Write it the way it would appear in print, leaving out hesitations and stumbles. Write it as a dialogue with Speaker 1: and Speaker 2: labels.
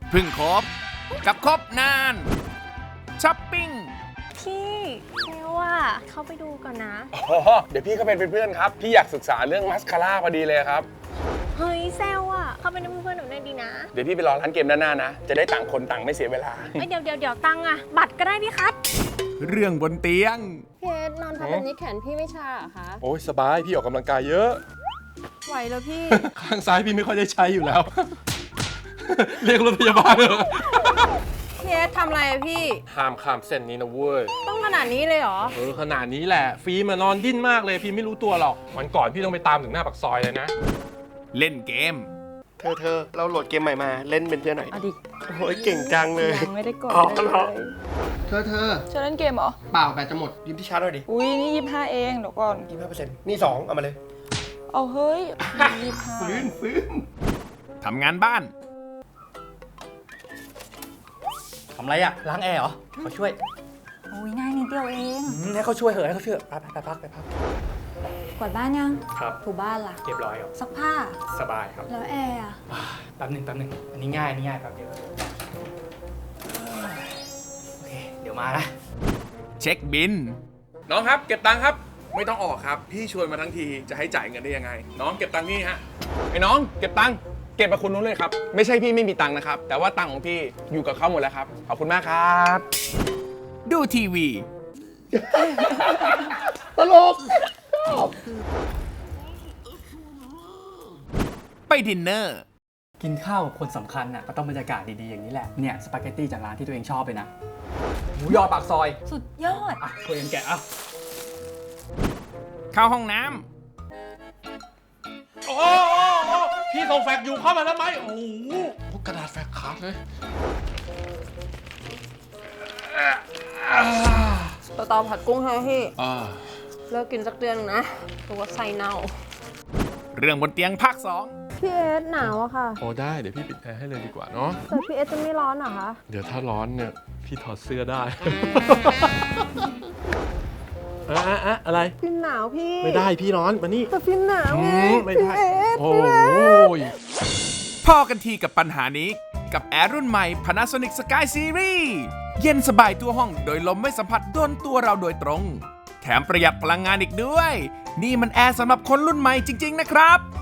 Speaker 1: เพึ่งครบกับครบนานช้อปปิ้ง
Speaker 2: พี่เซลว่าเข้าไปดูก่อนนะ
Speaker 3: อ๋อเดี๋ยวพี่ก็เป็นเพื่อนครับพี่อยากศึกษาเรื่องมัสคาร่าพอดีเลยครับ
Speaker 2: เฮ้ยเซลว่าเข้าไปเป็นเพื่อนหนูหน่อยดีนะ
Speaker 3: เดี๋ยวพี่ไปรอร้านเกมด้านหน้านะจะได้ต่างคนต่างไม่เสียเวลา
Speaker 2: เอ้ยเดี๋ยวตังค์อะบัตรก็ได้พี่คัท
Speaker 1: เรื่องบนเตียง
Speaker 4: พี่เอสนอนทับแบบนี้แขนพี่ไม่ชาเหรอคะ
Speaker 3: โอ้ยสบายพี่ออกกำลังกายเยอะ
Speaker 4: ไหวแล้วพี่
Speaker 3: ข้างซ้ายพี่ไม่ค่อยได้ใช้อยู่แล้ว เรียกรถพยาบาลเถอะ
Speaker 4: พี่เอสทำอะไรอะพี่
Speaker 3: ห้ามข้ามเส้นนี้นะเว้ย
Speaker 4: ต้องขนาดนี้เลยเหรอ
Speaker 3: ขนาดนี้แหละฟิล์มนอนดิ้นมากเลยพี่ไม่รู้ตัวหรอกวันก่อนพี่ต้องไปตามถึงหน้าปากซอยเลยนะ
Speaker 1: เล่นเกม
Speaker 3: เธอเราโหลดเกมใหม่มาเล่นเป็นเพื่อนหน่อย
Speaker 4: เอาดิ
Speaker 3: โอ้ยเก่งจังเลย
Speaker 4: ยังไม่ได้กด
Speaker 3: อ๋อ
Speaker 4: เลย
Speaker 3: เหรอ
Speaker 5: เธอ
Speaker 4: จะเล่นเกมเหรอ
Speaker 5: เปล่าแบตจะหมดยืมที่ชาร์จหน่อยดิ
Speaker 4: อุ้ยนี่25เองเดี๋ยวก่อน
Speaker 5: 25%นี่ 2 เอามาเลย
Speaker 4: เอาเฮ้ย25
Speaker 5: ฟื้น
Speaker 1: ทำงานบ้าน
Speaker 5: ทำไรอะล้างแอร์เหรอเขาช่วย
Speaker 6: โอ้ยง่ายนิดเดียวเอง
Speaker 5: ให้เขาช่วยเหอะให้เขาช่วยไปพัก
Speaker 6: กวาดบ้านยัง
Speaker 5: ครับ
Speaker 6: ถูบ้านล่ะ
Speaker 5: เรียบร้อยครับ
Speaker 6: ซักผ้า
Speaker 5: สบายครับ
Speaker 6: แล้วแอร์อะ
Speaker 5: แป๊บหนึ่งอันนี้ง่ายแป๊บเดียวโอเคเดี๋ยวมานะ
Speaker 1: เช็คบิน
Speaker 3: น้องครับเก็บตังค์ครับไม่ต้องออกครับพี่ชวนมาทั้งทีจะให้จ่ายเงินได้ยังไง น้องเก็บตังค์นี่ฮะไอ้น้องเก็บตังค์เก็บกับคุณนู้นเลยครับไม่ใช่พี่ไม่มีตังค์นะครับแต่ว่าตังค์ของพี่อยู่กับเขาหมดแล้วครับขอบคุณมากครับ
Speaker 1: ดูทีวี
Speaker 3: ตลก
Speaker 1: ไปดินเนอร์
Speaker 7: กินข้าวกับคนสำคัญน่ะก็ต้องบรรยากาศดีๆอย่างนี้แหละ เนี่ยสปาเกตตี้จากร้านที่ตัวเองชอบเลยนะ หมูยอปากซอย
Speaker 6: สุดยอด
Speaker 7: อ่ะตัวเองแกะอ่ะ
Speaker 1: เข้าห้องน้
Speaker 3: โอ้พี่ส่งแฟกซ์อยู่เข้ามาแล้วไหมโอ้โหกระดาษแฟกซ์ขาดเลย
Speaker 4: ตอผัดกุ้งใช่ไหมพี่
Speaker 3: อ่า
Speaker 4: เลิกกินสักเดือนหนึ่งนะตัวไส้เน่า
Speaker 1: ำเรื่องบนเตียงภาค
Speaker 4: พี่เอสหนาวอะค่ะ
Speaker 3: โอ้ได้เดี๋ยวพี่ปิดแอร์ให้เลยดีกว่าเนาะ
Speaker 4: แต่พี่เอสจะไม่ร้อนเหรอคะ
Speaker 3: เดี๋ยวถ้าร้อนเนี่ยพี่ถอดเสื้อได้ อะไร
Speaker 4: พี่หนาวพี่
Speaker 3: ไม่ได้พี่ร้อนมานี่
Speaker 4: แต่พี่หนาวไง
Speaker 3: ไม่
Speaker 4: พี่
Speaker 3: ได้
Speaker 4: เอส
Speaker 3: โอ้ย
Speaker 1: 2 พอกันทีกับปัญหานี้กับแอร์รุ่นใหม่ Panasonic Sky Series เย็นสบายทั่วห้องโดยลมไม่สัมผัสโดนตัวเราโดยตรง แถมประหยัดพลังงานอีกด้วย นี่มันแอร์สำหรับคนรุ่นใหม่จริง ๆ นะครับ